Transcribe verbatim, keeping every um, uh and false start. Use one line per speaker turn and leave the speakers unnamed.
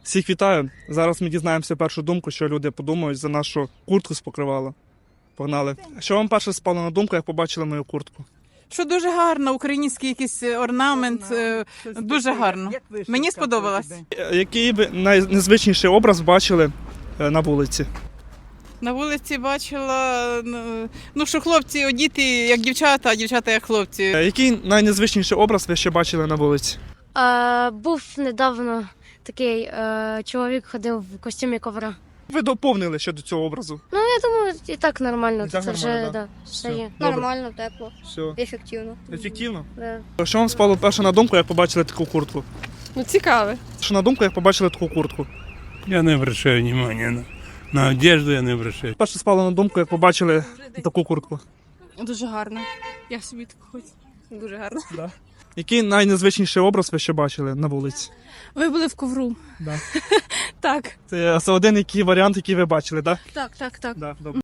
Всіх вітаю. Зараз ми дізнаємося першу думку, що люди подумають за нашу куртку з покривала. Погнали. Що вам перше спало на думку, як побачили мою куртку?
Що дуже гарно, український якийсь орнамент, е, дуже гарно. Мені сподобалось.
Який ви найнезвичніший образ бачили е, на вулиці?
На вулиці бачила, ну, ну, що хлопці одіти як дівчата, а дівчата як хлопці.
Е, Який найнезвичніший образ ви ще бачили на вулиці?
Е, був недавно такий е, чоловік ходив в костюмі ковра.
Ви доповнили щодо цього образу.
Ну, я думаю, і так нормально.
І так
Це
нормально,
вже
да?
да,
Все,
все є.
добре.
Нормально, тепло,
Все.
ефективно.
Ефективно?
Да.
Що вам спало перше на думку, як побачили таку куртку?
Ну, цікаве.
Що на думку, як побачили таку куртку?
Я не обращаю внимания на, на одежду, я не обращаю.
Перше спало на думку, як побачили таку куртку.
Дуже гарно. Я собі таку хочу. Дуже гарно.
Да. Який найнезвичніший образ ви ще бачили на вулиці?
Ви були в ковру.
Да.
Так.
Це, це один який варіант, який ви бачили, так?
Так, так, так.
Да? Да, добре.